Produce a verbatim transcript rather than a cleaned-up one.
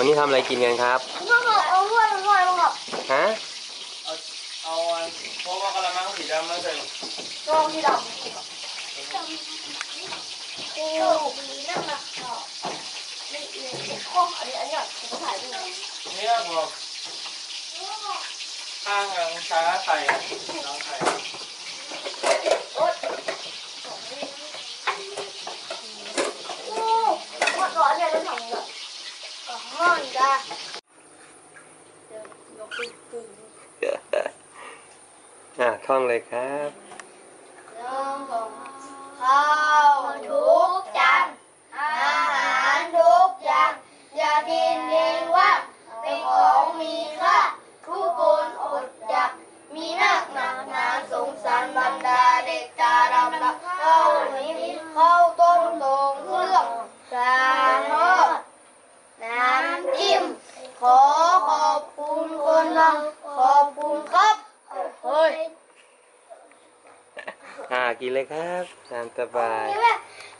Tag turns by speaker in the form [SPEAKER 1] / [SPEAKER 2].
[SPEAKER 1] วันนี้ทำอะไรกินกันครับ
[SPEAKER 2] ก็คือเอาถ้วยถ้วยมาครับ
[SPEAKER 1] ฮะ
[SPEAKER 3] เอาเอาอันพวกว่ากระมังสีดำมาใส่
[SPEAKER 2] รองที่ดำโอ้มีนั่งนะนี่นี่ข้ออันนี้อันนี้ผมถ่ายด้วย
[SPEAKER 3] เนี่ยบอกข้างทางช้าใส่น้องใส่
[SPEAKER 2] โอ้โอ้หมดร้อนเลยต้องทำเลยห้อนจ้า
[SPEAKER 1] อ่ะท่องเลยครับ
[SPEAKER 2] ข้าวทุกจานอาหารทุกอย่างอย่ากินเองว่าเป็นของมีค่าทุกคนอดอยากมีนักหนักหนาสงสารบรรดาเด็กตาดำดำเข้านี้เข้าต้มตรงเครื่องสามทอดน้ำจิ้มขอขอบคุณคนทำขอบคุณครับเฮ้ย
[SPEAKER 1] อ่ากินเลยครับตามสบาย